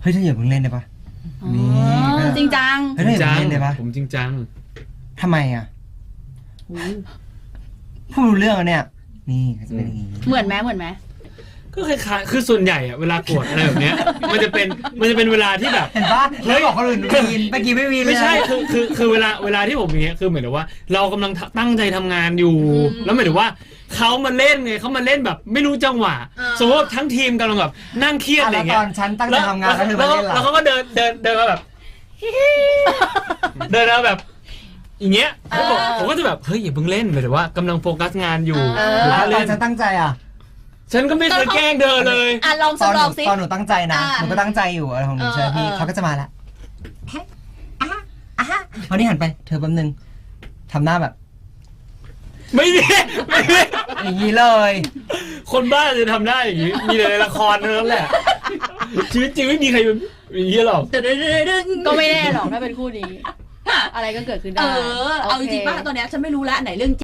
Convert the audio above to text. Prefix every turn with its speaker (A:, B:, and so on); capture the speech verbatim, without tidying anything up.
A: เฮ้ยเธออย่าเพิ่งเล่นได้ปะนี่
B: จริงจัง
A: เฮ้ยเธออย่าเพิ่งเล่นได้ปะ
C: ผมจริงจัง
A: ทำไมอ่ะพูดรู้เรื่องอ่ะเนี่ยนี่จะเป็นอย่างนี้
B: เหมือนไหมเหมือนไหม
C: ก็คล้ายๆคือส่วนใหญ่อะเวลาโกรธอะไรแบบเนี้ยมันจะเป็นมันจะเป็นเวลาที่แบบ
A: เห็นปะเฮ้ยบอกคนอื่นวีนเมื่อกี้ไม่วีนเลย
C: ไม่ใช่คือคือคือเวลาเวลาที่ผมอย่างเงี้ยคือเหมือนกับว่าเรากำลังตั้งใจทำงานอยู่แล้วหมายถึงว่าเขามาเล่นไงเขามาเล่นแบบไม่รู้จังหวะสมมติทั้งทีมกำลังแบบนั่งเครียดอะไรเงี้ย
A: ตอนฉันตั้งใจทำงานแล้วเธอมาเล่น
C: แล้วเขาก็เดินเดินเดินมาแบบเดินมาแบบอย่างเงี้ยผมก็จะแบบเฮ้ยอย่าเพิ่งเล่นหมายถึงว่ากำลังโฟกัสงานอยู่
A: ตอนฉันตั้งใจอ่ะ
C: ฉันก็ไม่เคยแกล้งเธอเลย
B: อ่ะลองสักลองสิ
A: ตอนหนูตั้งใจนะหนูก็ตั้งใจอยู่อะไรของหนูใช่พี่เขาก็จะมาละวันนี้หันไปเธอแป๊บนึงทำหน้าแบบ
C: ไม่มีไม่มี
A: อย่างนี้เลย
C: คนบ้าจะทำได้อย่างนี้มีแต่ในละครเท่านั้นแหละชีวิตจริงไม่มีใครอย่างนี้หรอก
B: ก็ไม่แน่หรอกถ้าเป็นคู่นี้อะไรก็เกิดขึ้นได้
D: เออเอาจริงๆป่ะตอนนี้ฉันไม่รู้แล้วไหนเรื่อง